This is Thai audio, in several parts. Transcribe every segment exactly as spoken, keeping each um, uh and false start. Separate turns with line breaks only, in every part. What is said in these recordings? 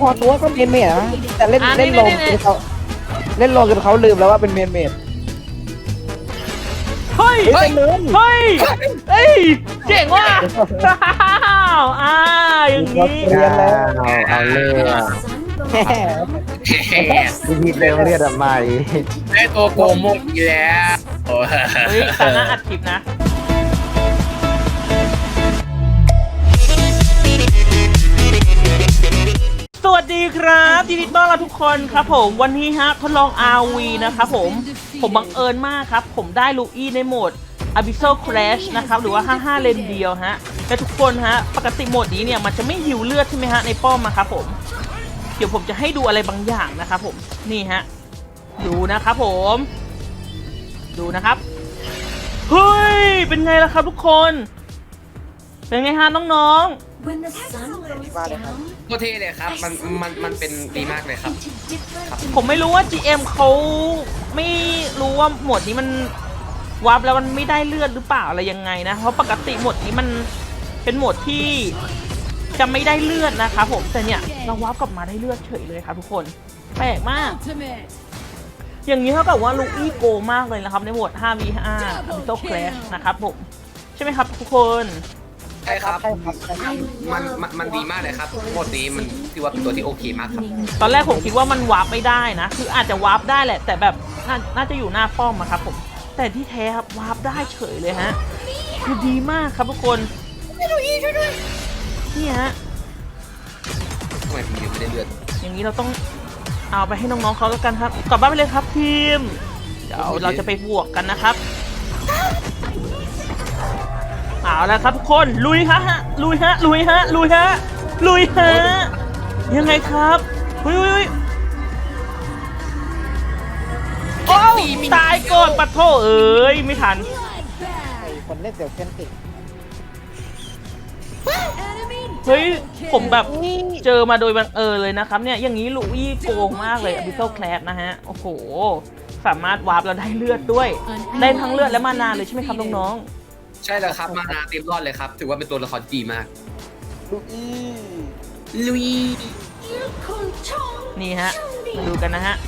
พอตัวก็เมนเมดนะแต่เล่นเล่นลงจนเขาเล่นลงจนเขาลืมแล้วว่าเป็นเมนเมด
เฮ้ย เฮ้ย เฮ้ยเฮ้ยเจ๋งว่ะอ้าวอ่าอย่างนี้
เรียนแล้ว
เอาเอาเลือด
แหม
พี่พีเติมเลือดทำไม
ได้ตัวโกงมุกอีกแล้วโอ้
เฮ้ยตาหน้าอัดคลิปนะ สวัสดีครับยินดีต้อนรับทุกคนครับผมวันนี้ฮะทดลอง อาร์ วี นะครับผมผมบังเอิญมากครับผมได้ลูอี้ในโหมด Abyssal Crash นะครับหรือว่า ห้าห้า เลนเดียวฮะแต่ทุกคนฮะปกติโหมดนี้เนี่ยมันจะไม่หิวเลือดใช่ไหมฮะในป้อมมาครับผมเดี๋ยวผมจะให้ดูอะไรบางอย่างนะครับผมนี่ฮะดูนะครับผมดูนะครับเฮ้ยเป็นไงล่ะครับทุกคนเป็นไงฮะน้องๆ
โคตรเท่เลยครับมันมันมันเป็นดีมากเลยครับครับ
ผมไม่รู้ว่า จี เอ็ม เขาไม่รู้ว่าหมวดนี้มันวาร์ปแล้วมันไม่ได้เลือดหรือเปล่าอะไรยังไงนะเพราะปกติหมวดนี้มันเป็นหมวดที่จะไม่ได้เลือดนะครับผมแต่เนี่ยเราวาร์ปกลับมาได้เลือดเฉยเลยครับทุกคนแปลกมากอย่างนี้เท่ากับว่าลูอี้โกมากเลยนะครับในหมวด ห้า วี ห้า Abyssal Crash นะครับผมใช่ไหมครับทุกคน
ใช่ครับ
ใช่ครับใช่ครับ
มันมันมันดีมากเลยครับโคตรนี้มันถือว่าเป็นตัวที่โอเคมากครับ
ตอนแรกผมคิดว่ามันวาร์ปไม่ได้นะคืออาจจะวาร์ปได้แหละแต่แบบนาน่าจะอยู่หน้าป้อมอะครับผมแต่ที่แท้ครับวาร์ปได้เฉยเลยฮะคือดีมากครับทุกคนนี่ฮะ
ทำไมผมยังไม่ได้เลือด
อย่างนี้เราต้องเอาไปให้น้องๆเขาแล้วกันครับกลับบ้านไปเลยครับทีมเดี๋ยวเราจะไปบวกกันนะครับเอาแล้วครับทุกคนลุยฮะลุยฮะลุยฮะลุยฮะลุยฮะยังไงครับเฮ้ยโอ้ตายก่อนปัดโถเอ้ยไม่ทัน
ไอ้คนเล่นเสี่ยวเส้นติด
เฮ้ยผมแบบเจอมาโดยบังเอิญเลยนะครับเนี่ยอย่างนี้ลูอี้โกงมากเลย Abyssal Crash นะฮะโอ้โหสามารถวาร์ปแล้วได้เลือดด้วยได้ทั้งเลือดและมานาเลยใช่ไหมครับน้องๆ
ใช่แล้วครับมานาเต็มรอดเลยครับถือว่าเป็นตัวละครดีมาก
ลูอี้
ลุย
นี่ฮะมาดูกันนะฮะ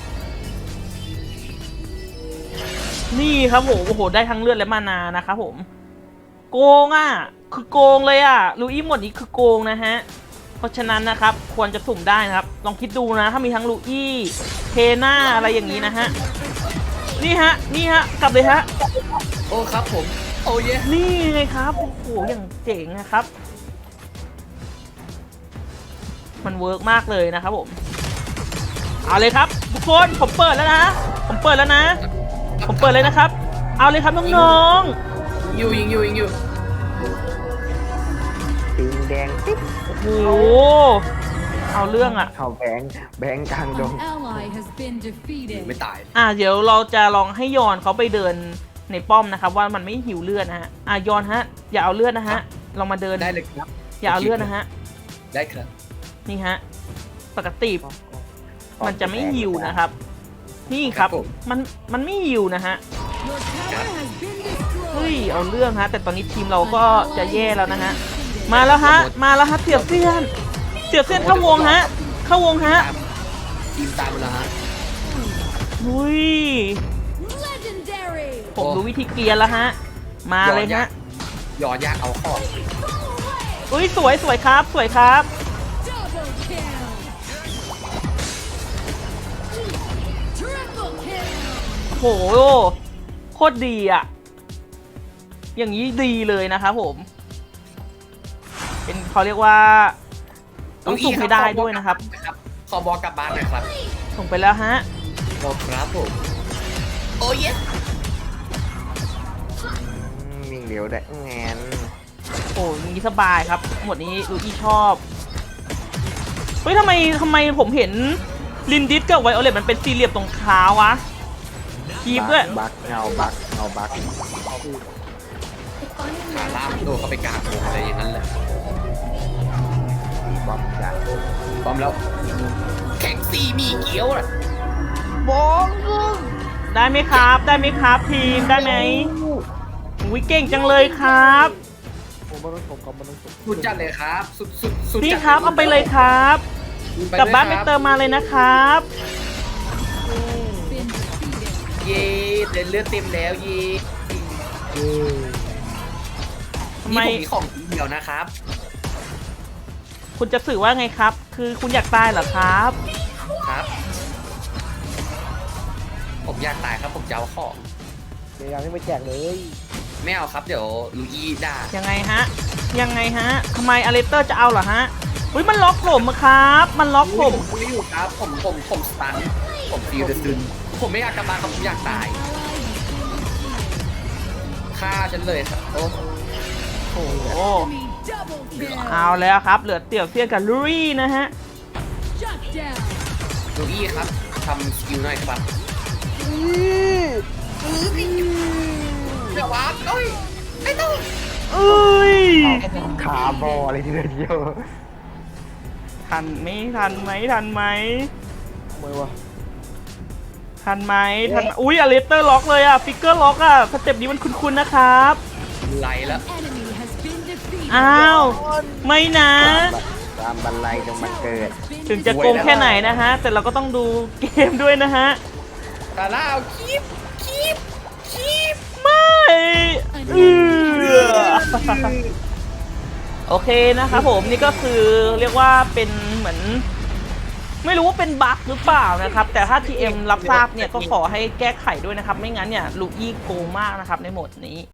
นี่ครับผมโอ้โหได้ทั้งเลือดและมานานะครับผมโกงอ่ะคือโกงเลยอ่ะลูอี้หมดนี้คือโกงนะฮะเพราะฉะนั้นนะครับควรจะสุ่มได้นะครับลองคิดดูนะถ้ามีทั้งลูอี้เทน่าอะไรอย่างนี้นะฮะนี่ฮะนี่ฮะกลับเลยฮะ
โอ้ครับผมโอ้เย่
นี่ไงครับโอ้โหอย่างเจ๋งนะครับมันเวิร์กมากเลยนะครับผมเอาเลยครับทุกคนผมเปิดแล้วนะผมเปิดแล้วนะผมเปิดเลยนะครับเอาเลยครับน้อง
ยิงอยู่ยิงอยู่ยิงอยู่
ปิงแดงติ๊บ
ๆโอ้โหเอาเรื่องอ่ะ
เข้าแบงค์แบงค์กลางดง
ไม่ตาย
อ่ะเดี๋ยวเราจะลองให้ยอนเขาไปเดินในป้อมนะครับว่ามันไม่หิวเลือดนะฮะอ่ะยอนฮะอย่าเอาเลือดนะฮะลองมาเดิน
ได้เลยครับ
อย่าเอาเลือดนะฮะ
ได้ครับ
นี่ฮะปกติมันจะไม่หิวนะครับนี่ครับมันมันไม่หิวนะฮะเฮ้ยเอาเรื่องฮะแต่ตอนนี้ทีมเราก็จะแย่แล้วนะฮะมาแล้วฮะมาแล้วฮะเสียบเสี้ยนเสียบเสี้ยนเข้าวงฮะเข้าวงฮะ
ทีมตามมาแล้วฮะ
อุ้ยผมรู้วิธีเกียร์แล้วฮะมาเลยฮะ
ยอยากเอาข้อ
อุ้ยสวยสวยครับสวยครับโหโคตรดีอ่ะอย่างนี้ดีเลยนะครับผมเป็นเขาเรียกว่าต้องสุ่มให้ได้ด้วยนะครับ
ขอบอกกลับบ้านหน่อยครับ
ส่งไปแล้วฮะ
บอกครับผมโอ้เย่
อืมวิ่งเร็วได้แงน
โอ้ยนี้สบายครับหมวดนี้ลูอี้ชอบเฮ้ยทำไมทำไมผมเห็นลินดิสกับไวโอเลตมันเป็นสี่เหลี่ยมตรงขาวะคีบด้วย
บักเงาบักเงาบัก
ขาล่ามโดนเข้าไปกลางวงอะไรอย่างนั้นแหละ
บอมจ้ะ
พร้อมแล้ว แข่งซีมีเกี๊ยวน่ะ
บอง
ได้ไหมครับได้ไหมครับทีมได้ไหมวิเก่งจังเลยครับ
ผมมันต้องผมกับมันต้องผม
สุดจัดเลยครับ สุดสุดสุด
นี่
จัด
ครับเอาไปเลยครับกลับบ้านไปเติมมาเลยนะครับ
เย่เดินเลือดเต็มแล้วเย่
ทำไม
นี่ผมมีของเดียวนะครับ
คุณจะสื่อว่าไงครับ คือคุณอยากตายเหรอครับ
ครับ ผมอยากตายครับผมจะเอาของ
เดี๋ยวยังไม่ไปแจกเลย
ไม่เอาครับเดี๋ยวลูอี้ด่า
ยังไงฮะ ยังไงฮะทำไมอเลสเตอร์จะเอาเหรอฮะอุ้ยมันล็อกผมอะครับ มันล็อกผม
คุยอยู่ครับผมผมผมสตันผมฟีลเดซึนผมไม่อยากกลับบ้านครับผมอยากตายฆ่าฉันเลยครับโอ้
โอ้โหเอาแล้วครับ เหลือเตี่ยวเซียนกับลูรี่นะฮะ
ลูอี้ครับทำสกิลหน่อยครับเดี๋ยววัดเอ้ยไม่ต้อง
เอ้ย
ขาบอเลยทีเดียว
ทันไหมทันไหมทันไหม
ทำไมวะ
ทันไหมทันไหมอุ้ยอเลสเตอร์ล็อกเลยอะฟิกเกอร์ล็อกอะสเต็ปนี้มันคุ้นๆนะครับ
ไหลแล้ว
อ้าว ไม่นะ
ตามบันไลจงมันเกิด
ถึงจะโกงแค่ไหนนะฮะ แต่เราก็ต้องดูเกมด้วยนะฮะ
ตาล่าเอาคีบคีบคีบ
ไม่เออโอเคนะครับผมนี่ก็คือเรียกว่าเป็นเหมือน ไม่รู้ว่าเป็นบั๊กหรือเปล่านะครับ แต่ถ้า ที เอ็ม รับทราบเนี่ยก็ขอให้แก้ไขด้วยนะครับ ไม่งั้นเนี่ยลูอี้โกงมากนะครับในโหมดนี้